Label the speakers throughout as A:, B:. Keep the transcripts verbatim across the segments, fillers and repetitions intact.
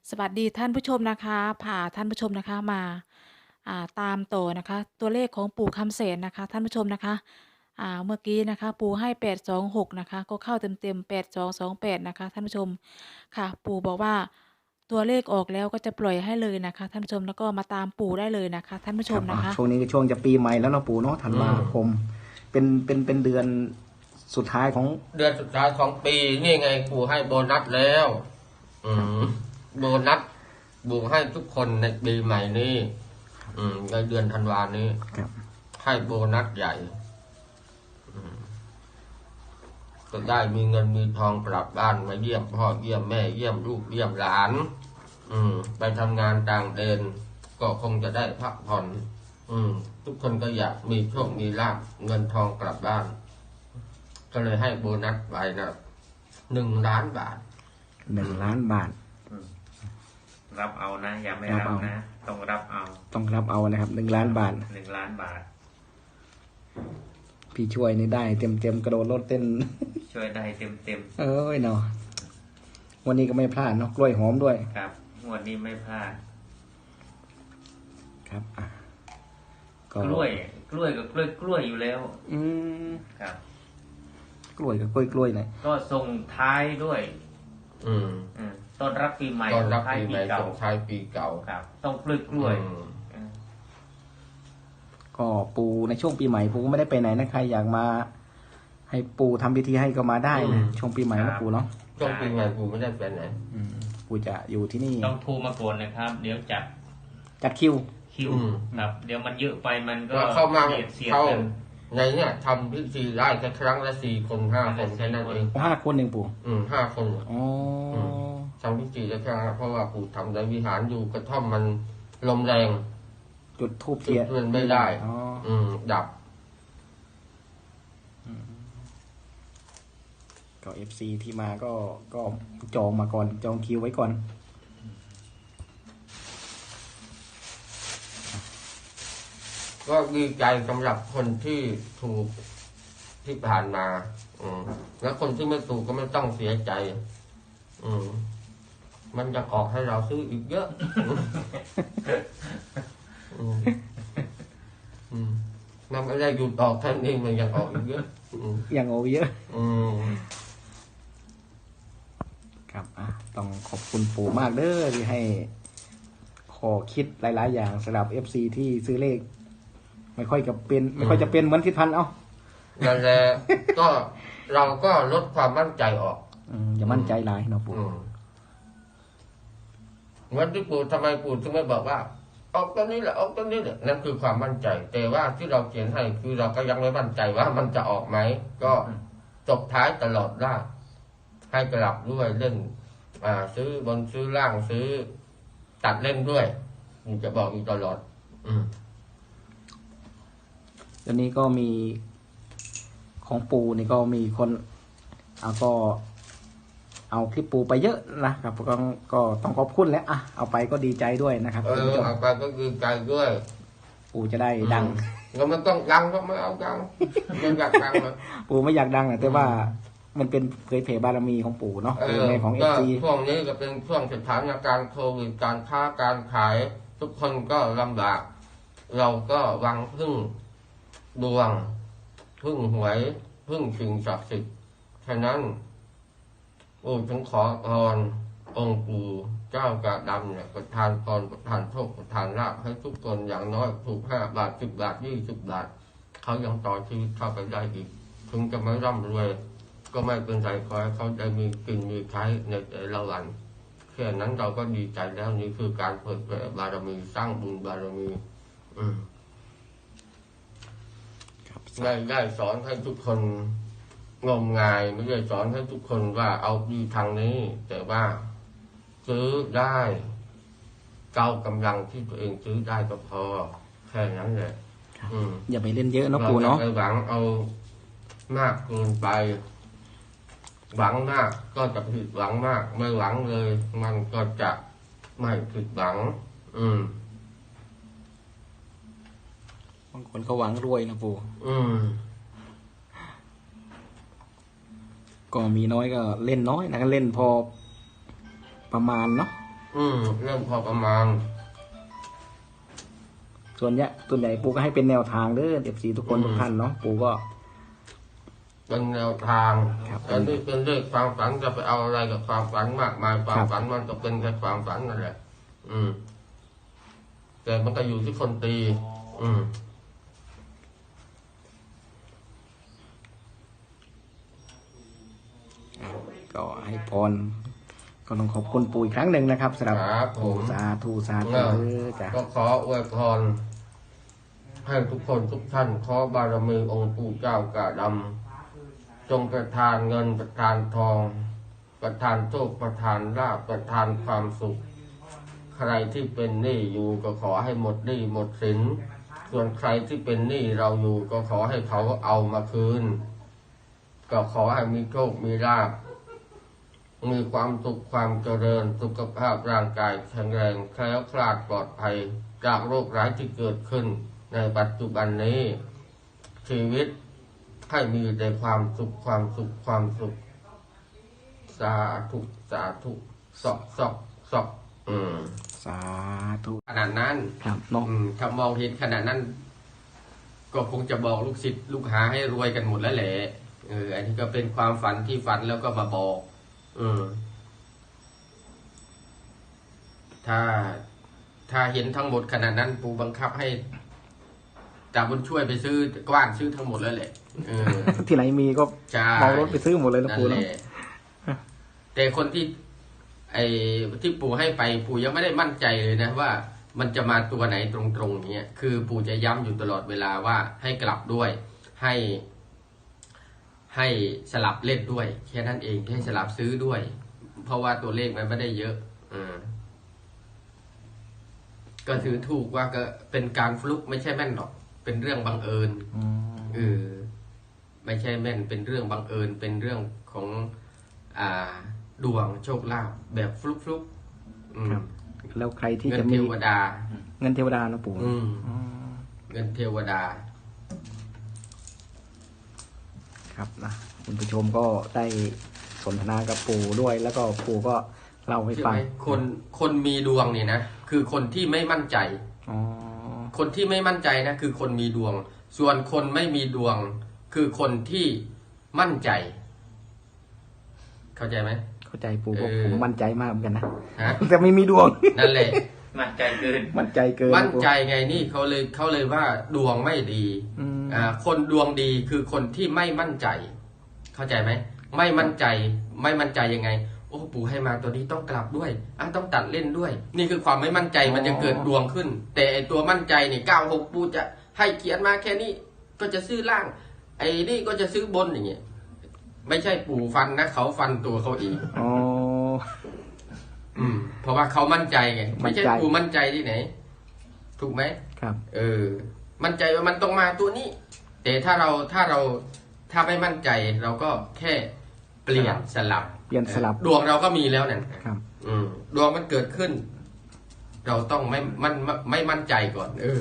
A: สวัสดีท่านผู้ชมนะคะพาท่านผู้ชมนะคะมาอ่าตามต่อนะคะตัวเลขของปู่คำเสนนะคะท่านผู้ชมนะคะอ่าเมื่อกี้นะคะปู่ให้แปด สอง หกนะคะก็เข้าเต็มๆแปด สอง สอง แปดนะคะท่านผู้ชมค่ะปู่บอกว่าตัวเลขออกแล้วก็จะปล่อยให้เลยนะคะท่านผู้ชมแล้วก็มาตามปู่ได้เลยนะคะท่านผู้
B: ครับอ่ะ
A: ชมนะคะ
B: ช่วงนี้ก็ช่วงจะปีใหม่แล้วเนาะปู่เนาะธันวาคมเป็นเป็นเป็นเดือนสุดท้ายของ
C: เดือนสุดท้ายของปีนี่ไงปู่ให้โบนัสแล้ว อืมโบนัสปู่ให้ทุกคนในปีใหม่นี้ อืมในเดือนธันวานี้
B: ครับ
C: ให้โบนัสใหญ่ อืมก็ได้มีเงินมีทองกลับบ้านมาเยี่ยมพ่อเยี่ยมแม่เยี่ยมลูกเยี่ยมหลาน อืม ไปทำงานต่างแดนก็คงจะได้พักผ่อน อืม ทุกคนก็อยากมีโชคมีลาภเงินทองกลับบ้าน ก็เลยให้โบนัสไปนะหนึ่งล้านบาท
B: หนึ่งล้านบาท
D: รับเอานะอย่าไม่
B: รับ
D: รับ
B: เอา
D: นะ ต้องรับเอา
B: ต้องรับเอานะครับหนึ่งล้านบาท
D: หนึ่งล้านบาท
B: พี่ช่วยนี่ได้เต็มเต็มกระโดดรถเต้น
D: ช่วยได้เต็มเต็ม
B: เอ้ยเนาะวันนี้ก็ไม่พลาดเนาะกล้วยหอมด้วย
D: ๆครับงวดนี้ไม่พลาด
B: ครับอ่ะ
D: กล้วย กล้วยกับกล้วยกล้วยอยู่แล้ว
B: อืม
D: ครับ
B: กล้วยกับกล้วยกล้วยหน่อย
D: ก็ส่งท้ายด้วย
C: อืม
D: อืมต้อนรับปีใหม่
C: ตอนรับ
D: ท้าย
C: ปี
D: ปี
C: ใหม่
D: เก่า
C: ส่งท้ายปีเก่า
D: ครับ ต้องกล้วยกล้วย
C: อืม
D: อืม
B: ก็ปูในช่วงปีใหม่ปูก็ไม่ได้ไปไหนนะใครอยากมา ให้ปูทำพิธีให้ก็มาได้นะช่วงปีใหม่นะปูเนาะ
C: ช่วงปีใหม่ปู่ไม่ได้ไปไหน
B: อืมปูจะอยู่ที่นี่
D: ต้องโทรมาก่อนนะครับ เดี๋ยวจัด
B: จัดคิว
D: คิว
C: อืม
D: ครับ เดี๋ยวมันเยอะไปมันก็
C: ก็เข้ามา
D: เสียดเสียด
C: เข้า
D: กัน
C: ในเนี่ยทำพิธีได้แค่ครั้งละสี่คนห้าคนแค่นั้นเอง
B: ห้าคนหนึ่งปู
C: อืมห้าคน
B: อ๋ออ
C: ม ทำพิธีได้แค่นั้นเพราะว่าปู่ทำในวิหารอยู่กระท่อมมันลมแรง
B: จุดทูบ
C: จุ
B: เทีย
C: ด
B: น
C: เทียนไม่ได้
B: อ๋อ
C: อืม ดับ
B: ก็เอฟซีที่มาก็ก็จองมาก่อนจองคิวไว้ก่อน
C: ก็ดีใจสำหรับคนที่ถูกที่ผ่านมา อืมแล้วคนที่ไม่ถูกก็ไม่ต้องเสียใจ อืมมันจะออกให้เราซื้ออีกเยอะ อืมอืมมันไม่ได้หยุดออกแค่นี้มันยังออกอีกเยอะ อืม
B: อย่างโอเยอะ
C: อืม
B: ครับอ่ะต้องขอบคุณปู่มากเด้อที่ให้ขอคิดหลาย ๆ อย่างสำหรับเอฟซีที่ซื้อเลข ไม่ค่อยจะเป็น ไม่ค่อยจะเป็นเหมือนทิศพันธ์เอ้า
C: นั่นแหละก็เราก็ลดความมั่นใจออก
B: อืมอย่ามั่นใจหลายเนาะปู่
C: อืมเหมือนที่ปู่ทำไมปู่ถึงไม่บอกว่า ออกตัวนี้แหละออกตัวนี้แหละนั่นคือความมั่นใจ แต่ว่าที่เราเขียนให้คือเราก็ยังไม่มั่นใจว่ามันจะออกไหมก็จบท้ายตลอดได้ให้กลับด้วยเล่น อ่า ซื้อบนซื้อล่างซื้อ ตัดเล่นด้วยมันจะบอกอยู่ตลอด อืม
B: ตอนนี้ก็มีของปู่นี่ก็มีคนเอาก็ เอาคลิปปู่ไปเยอะนะครับก็ก็ต้องขอบคุณแหล้วอ่ะเอาไปก็ดีใจด้วยนะครับ
C: เอ
B: คุณ
C: อ
B: ผู้ชม
C: เอาไปก็คือใจด้วย
B: ปู่จะได้ดัง
C: แล้วมันต้องดังก็ไม่เอาดังมันอยากดังเหรอ
B: ปู่ไม่อยากดังนะแต่ว่ามันเป็นเผยเผยบารมีของปู่เนาะ
C: เอ
B: เป็น
C: อ
B: ในของเอ
C: ก็
B: ฟซี
C: ช่วงนี้ก็เป็นช่วงสถานการณ์โควิดการค้าการขาย ทุกคนก็ลำบาก เราก็หวังพึ่งดวง พึ่งหวย พึ่งสิ่งศักดิ์สิทธิ์ฉะนั้นโอ้ฉันขอพรองค์ปู่เจ้ากาดำเนี่ยประทานพรประทานโชคประทานลาภให้ทุกคนอย่างน้อยถูกห้าบาทสิบบาทยี่สิบบาท เขายังต่อชีวิตเข้าไปได้อีก ถึงจะไม่ร่ำรวย ก็ไม่เป็นไรขอให้เขาได้มีกินมีใช้ในแต่ละวันแค่นั้นเราก็ดีใจแล้วนี่คือการเปิดเผยบารมีสร้างบุญบารมี อืม
B: ครับ
C: ได้ได้สอนให้ทุกคนงมงายไม่ได้สอนให้ทุกคนว่าเอาดีทางนี้ แต่ว่าซื้อได้เก้ากำลังที่ตัวเองซื้อได้ก็พอ แค่นั้นแหละ อืม
B: อย่าไปเล่นเยอะเนาะ
C: เรา
B: ปู่
C: อย่า
B: เนาะ
C: ไปหวังเอามากเกินไป หวังมากก็จะผิดหวังมาก ไม่หวังเลย มันก็จะไม่ผิดหวัง อืม
B: บางคนเขาหวังรวยนะปู่
C: อืม
B: ก็มีน้อยก็เล่นน้อยนะก็เล่นพอประมาณเนาะ
C: ออืมเรื่องพอประมาณ
B: ส่วนเนี้ยส่วนใหญ่ปู่ก็ให้เป็นแนวทางเด้อเอฟซีทุกคน
C: อืม
B: ทุกท่านเนาะปู่ก็
C: เป็นแนวทาง
B: ครับ
C: แต่นี่เป็นเรื่องความฝันจะไปเอาอะไรกับความฝันมากมายความฝันมันก็เป็นแค่ความฝันนั่นแหละอืมแต่มันก็อยู่ที่คนตี อืม
B: ก็ให้พรก็ต้องขอบคุณปู่อีกครั้งหนึ่งนะครับสำหรับ
C: ครับผม
B: สาธุสาธุ
C: เออ
B: เด้อจ้ะ
C: ก็ขออวยพรให้ทุกคนทุกท่านขอบารมีองค์ปู่เจ้ากาดำจงประทานเงินประทานทอง ประทานโชคประทานลาภประทานความสุข ใครที่เป็นหนี้อยู่ก็ขอให้หมดหนี้หมดสินส่วนใครที่เป็นหนี้เราอยู่ก็ขอให้เขาเอามาคืน ก็ขอให้มีโชคมีลาภมีความสุขความเจริญสุขภาพร่างกายแข็งแรงแคล้วคลาดปลอดภัย จากโรคร้ายที่เกิดขึ้นในปัจจุบันนี้ ชีวิตให้มีแต่ความสุขความสุขความสุข สาธุสาธุสอกสอกสอกอืม
B: สาธุ
C: ขนาดนั้น
B: ครับเนาะ
C: อืมถ้ามองเห็นขนาดนั้น ก็คงจะบอกลูกศิษย์ลูกหาให้รวยกันหมดแล้วแหละเอออันนี้ก็เป็นความฝันที่ฝันแล้วก็มาบอก อืม ถ้าถ้าเห็นทั้งหมดขนาดนั้น ปู่บังคับให้จ่าบุญช่วยไปซื้อกว้านซื้อทั้งหมดแล้วแหละเออ
B: ที่ไหนมีก็
C: ใช่
B: เมารถไปซื้อหมดเลยนะ
C: นั่น
B: ปู่
C: แห
B: เนาะ
C: ละแต่คนที่ ไอ้ที่ปู่ให้ไปปู่ยังไม่ได้มั่นใจเลยนะว่า มันจะมาตัวไหนตรงๆเนี้ยคือปู่จะย้ำอยู่ตลอดเวลาว่าให้กลับด้วย ให้ ให้สลับเล่นด้วยแค่นั้นเองให้สลับซื้อด้วย เพราะว่าตัวเลขมันไม่ได้เยอะอืมก็ถือถูกว่าก็เป็นการฟลุกไม่ใช่แม่นหรอก เป็นเรื่องบังเอิญ
B: อืม
C: เออไม่ใช่แม่นเป็นเรื่องบังเอิญเป็นเรื่องของอ่าดวงโชคลาภแบบฟลุกฟลุกๆอืม
B: ครับ แล้วใครที่
C: เงิ
B: จะ
C: นเท
B: มี
C: วดา
B: เงินเทวดาเนาะปู่
C: อืม
B: อ๋อ
C: เงินเทวดา
B: ครับนะคุณผู้ชมก็ได้สนทนากับปู่ด้วย แล้วก็ปู่ก็เล่าให้
C: ใช่
B: ฟั
C: ไห
B: ง
C: มคนคนมีดวงเนี่ยนะคือคนที่ไม่มั่นใจ
B: อ๋อ
C: คนที่ไม่มั่นใจนะคือคนมีดวง ส่วนคนไม่มีดวง คือคนที่มั่นใจ เข้าใจไหม
B: เข้าใจปู่ก็
C: เออ
B: ผมมั่นใจมากเหมือนกันนะ
C: ฮะ
B: แต่ไม่มีดวง
C: นั่นแหละ
D: มั่นใจเกิน
B: มั่นใจเกิน
C: มั่นใจไงนี่เขาเลยเขาเลยว่าดวงไม่ดี
B: อืม
C: อ่าคนดวงดีคือคนที่ไม่มั่นใจ เข้าใจไหมไม่มั่นใจ ไม่มั่นใจยังไง โอ้ปู่ให้มาตัวนี้ต้องกลับด้วยอ่ะต้องตัดเล่นด้วย นี่คือความไม่มั่นใจมันจะเกิดดวงขึ้น แต่ไอตัวมั่นใจนี่เก้าหกปู่จะให้เขียนมาแค่นี้ ก็จะซื้อล่าง ไอ้นี่ก็จะซื้อบนอย่างเงี้ยไม่ใช่ปู่ฟันนะเขาฟันตัวเขาเอง
B: อ๋อ
C: อืม เพราะว่าเขามั่นใจไงไม่ใช่
B: มั่นใจ
C: ปู่มั่นใจที่ไหน ถูกไหม
B: ครับ
C: เออ มั่นใจว่ามันต้องมาตัวนี้ แต่ถ้าเราถ้าเราถ้าไม่มั่นใจ เราก็แค่เปลี่ยนสลับ
B: เปลี่ยนสลับ
C: ดวงเราก็มีแล้วนั่น
B: ครับ
C: อืม ดวงมันเกิดขึ้น เราต้องไม่มันไม่ไม่มั่นใจก่อน เออ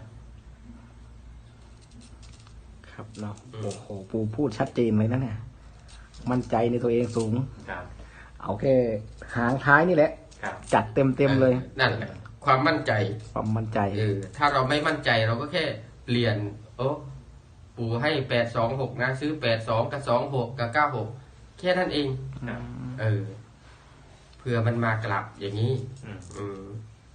B: ครับเนาะ
C: อืม
B: โอ้โหปู่พูดชัดเจนเลยนะเนี่ย มั่นใจในตัวเองสูง
D: ครับ
B: เอาแค่หางท้ายนี่แหละ
D: ครับ
B: จัดเต็มเต็มๆเลย
C: นั่นแหละ ความมั่นใจ
B: ความมั่นใจ
C: เออ ถ้าเราไม่มั่นใจเราก็แค่เปลี่ยน โอ้ปู่ให้แปดสองหกนะ ซื้อแปดสองกับสองหกกับเก้าหกแค่นั้นเอง
D: ครับ
C: เออ เพื่อมันมากลับอย่างนี้
D: อืม
C: อืม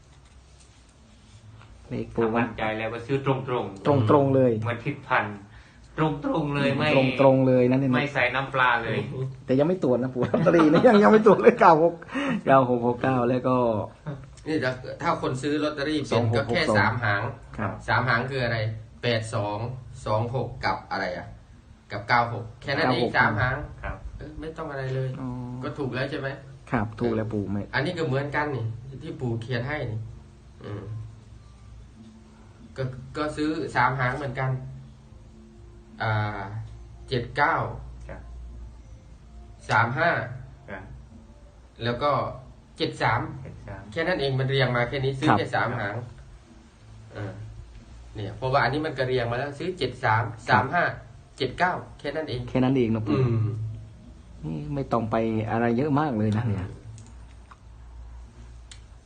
B: เลข
D: ถ้า
B: ปู่มั
D: มั่
B: น
D: นใจแล้วก็ซื้อตรงตรง
B: ตรงตรงๆเลย
D: เหมือนทิศพันตรงตรงๆเลยไม่
B: ตรงตรงๆเลยนั่นเอง
D: ไม่ใส่น้ำปลาเลย
B: แต่ยังไม่ตรวจนะปู่ลอตเตอรี่นะยังยังไม่ตรวจเลยเก้าหกเก้าหกหกเก้าแล้วก็
C: นี่ถ้าถ้าคนซื้อลอตเตอรี่เป็น
B: สองหก
C: ก็แค่
B: หกสอง
C: สามหาง
B: ครับ
C: สามหางคืออะไร แปดสอง สองหกกับอะไรอ่ะ กับเก้าหก แค่นั้นเองสามหาง
D: ครับ
C: เออไม่ต้องอะไรเลย
B: อ๋อ
C: ก็ถูกแล้วใช่ไหม
B: ครับถูกแล้วปู่ไม่
C: อันนี้ก็เหมือนกันนี่ ที่ปู่เขียนให้นี่ อืม ก็ก็ซื้อสามหางเหมือนกัน อ่า เจ็ดเก้า
D: ครับ
C: สามห้า
D: ครับ
C: แล้วก็เจ็ดสาม
D: เห็นสาม
C: แค่นั้นเองมันเรียงมาแค่นี้ซื้อแค่สามหางอ่าเนี่ยเพราะว่าอันนี้มันก็เรียงมาแล้ว ซื้อเจ็ดสาม สามห้า เจ็ดเก้าแค่นั้นเอง
B: แค่นั้นเองนะ
C: อื
B: ปู่
C: ม
B: นี่ไม่ต้องไปอะไรเยอะมากเลยนะเนี่ย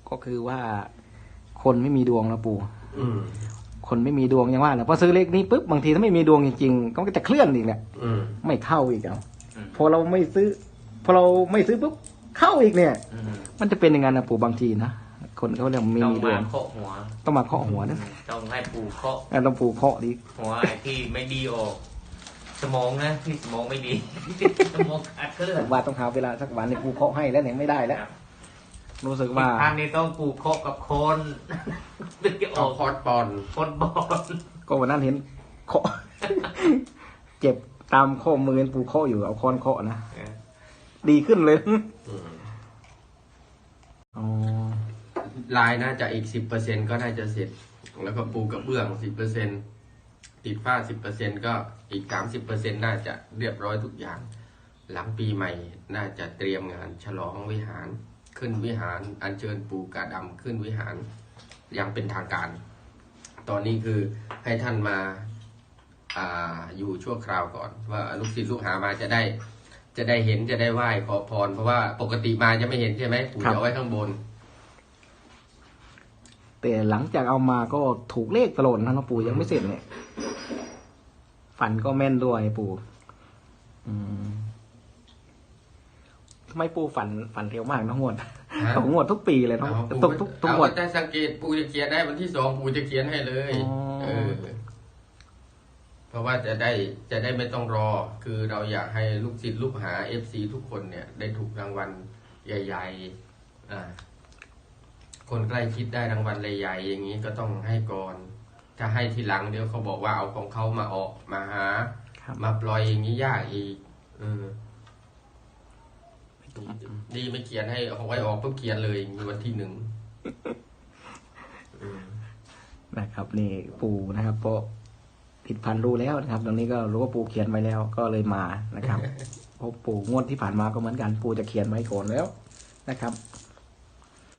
B: ก็คือว่า คนไม่มีดวงนะปู่
C: อืม
B: คนไม่มีดวงอย่างว่าแหละพอซื้อเลขนี้ปุ๊บบางทีถ้าไม่มีดวงจริงๆก็จะเคลื่อนอีกแหละ
C: อืม
B: ไม่เข้าอีกเอา
D: อืม
B: พอเราไม่ซื้อ พอเราไม่ซื้อปุ๊บเข้าอีกเนี่ย
D: อืม
B: มันจะเป็นอย่างนั้นนะปู่บางทีนะคนเขาเรียกไม่
D: ต้อง
B: มีดว
D: มาง เคาะหัว
B: ต้องมาเคาะหัวนะ
D: ต้องให้ปู่เคาะ
B: อ่ะต้องปู่เคาะดิ
D: หัวไอ้ที่ไม่ดีออก สมองนะที่สมองไม่ดี สมองขาดเคลื่อน
B: ว่าต้องหาเวลาสักวันในปู่เคาะให้แล้วเนี่ยไม่ได้แล้ว รู้สึกว่า
D: ทางนี้ต้องปู่เคาะกับคนถึงจะอ
C: เอา
D: อก
C: คอร์ดปอน
D: คนบอล
B: ก็วันนั้นเห็นเคาะ เจ็บตามข้อมือปู่เคาะอยู่เอาค้อนเคาะนะดีขึ้นเลย
C: อืม
B: อ๋อ
C: ลายน่าจะอีกสิบเปอร์เซ็นก็น่าจะเสร็จ แล้วก็ปูกระเบื้องสิบเปอร์เซ็นติดฝ้าสิบเปอร์เซ็นก็อีกสามสิบเปอร์เซ็นน่าจะเรียบร้อยทุกอย่าง หลังปีใหม่น่าจะเตรียมงานฉลองวิหาร ขึ้นวิหารอัญเชิญปู่กาดำขึ้นวิหารอย่างเป็นทางการ ตอนนี้คือให้ท่านมาอ่าอยู่ชั่วคราวก่อน ว่าลูกศิษย์ลูกหามาจะได้ จะได้เห็นจะได้ไหว้ขอพร เพราะว่าปกติมาจะไม่เห็นใช่ไหมปู่จะเอาไว้ข้างบน
B: แต่หลังจากเอามาก็ถูกเลขตลอดนะหลวงปู่ยังไม่เสร็จเนี่ย ฝันก็แม่นด้วยปู่อืมทำไมปู่ฝันฝันเร็วมากนะงวด
C: ฮะ
B: ของงวดทุกปีเลยเนาะ
C: เอา
B: ทุกทุกทุกทุกงวด
C: เอาแต่สังเกตปู่จะเขียนได้วันที่สองปู่จะเขียนให้เลย
B: อ๋อ
C: เออ เพราะว่าจะได้จะได้ไม่ต้องรอ คือเราอยากให้ลูกศิษย์ลูกหาเอฟซีทุกคนเนี่ย ได้ถูกรางวัลใหญ่ๆอ่า คนใกล้ชิดได้รางวัลใหญ่ๆอย่างนี้ก็ต้องให้ก่อน ถ้าให้ทีหลังเดี๋ยวเขาบอกว่าเอาของเขามาออกมาหา
B: ครับ
C: มาปล่อยอย่างนี้ยากอีกเออดีไม่เขียนให้เอาไว้ออกปุ๊บเขียนเลยมีวันที่หนึ่งอืม
B: นะครับ นี่ปู่นะครับเพราะผิดพันธุ์รู้แล้วนะครับ ตรงนี้ก็รู้ว่าปู่เขียนไว้แล้วก็เลยมานะครับ เพราะปู่งวดที่ผ่านมาก็เหมือนกันปู่จะเขียนไว้ก่อนแล้วนะครับ